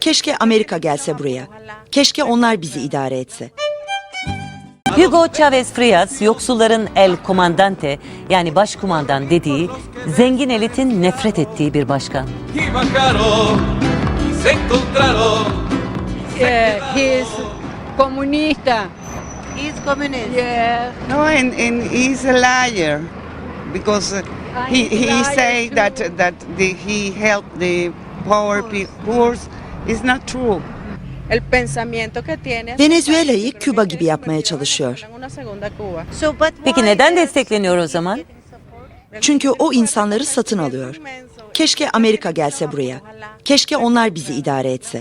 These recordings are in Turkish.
Keşke Amerika gelse buraya. Keşke onlar bizi idare etse. Hugo Chavez Frías, yoksulların el comandante yani başkumandan dediği, zengin elitin nefret ettiği bir başkan. He is comunista. He's communist. Yeah. No, and he's a liar because he say that he helped the poor is not true. El pensamiento que tiene. Venezuela'yı Küba gibi yapmaya çalışıyor. Una segunda Cuba. Peki neden destekleniyor o zaman? Çünkü o insanları satın alıyor. Keşke Amerika gelse buraya. Keşke onlar bizi idare etse.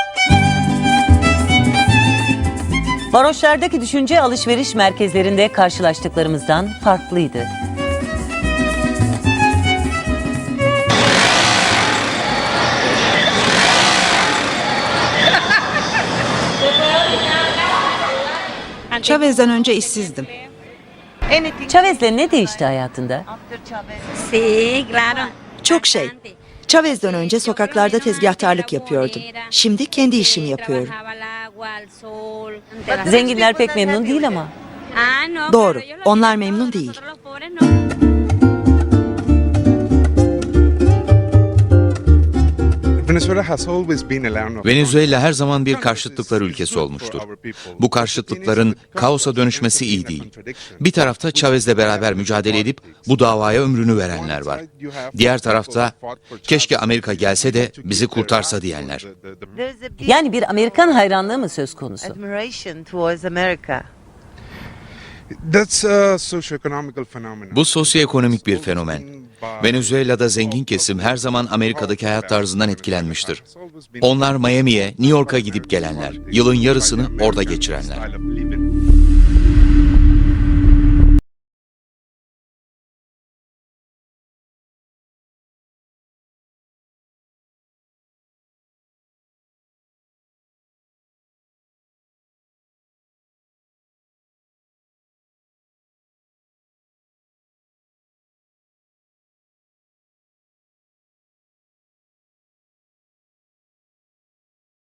Varoşlardaki düşünce alışveriş merkezlerinde karşılaştıklarımızdan farklıydı. Chavez'den önce işsizdim. Chavez'le ne değişti hayatında? Sí, claro. Çok şey. Chavez'den önce sokaklarda tezgahtarlık yapıyordum. Şimdi kendi işimi yapıyorum. Zenginler pek memnun değil ama. Doğru, onlar memnun değil. Venezuela her zaman bir karşıtlıklar ülkesi olmuştur. Bu karşıtlıkların kaosa dönüşmesi iyi değil. Bir tarafta Chavez'le beraber mücadele edip bu davaya ömrünü verenler var. Diğer tarafta keşke Amerika gelse de bizi kurtarsa diyenler. Yani bir Amerikan hayranlığı mı söz konusu? Admiration towards America. Bu sosyoekonomik bir fenomen. Venezuela'da zengin kesim her zaman Amerika'daki hayat tarzından etkilenmiştir. Onlar Miami'ye, New York'a gidip gelenler, yılın yarısını orada geçirenler.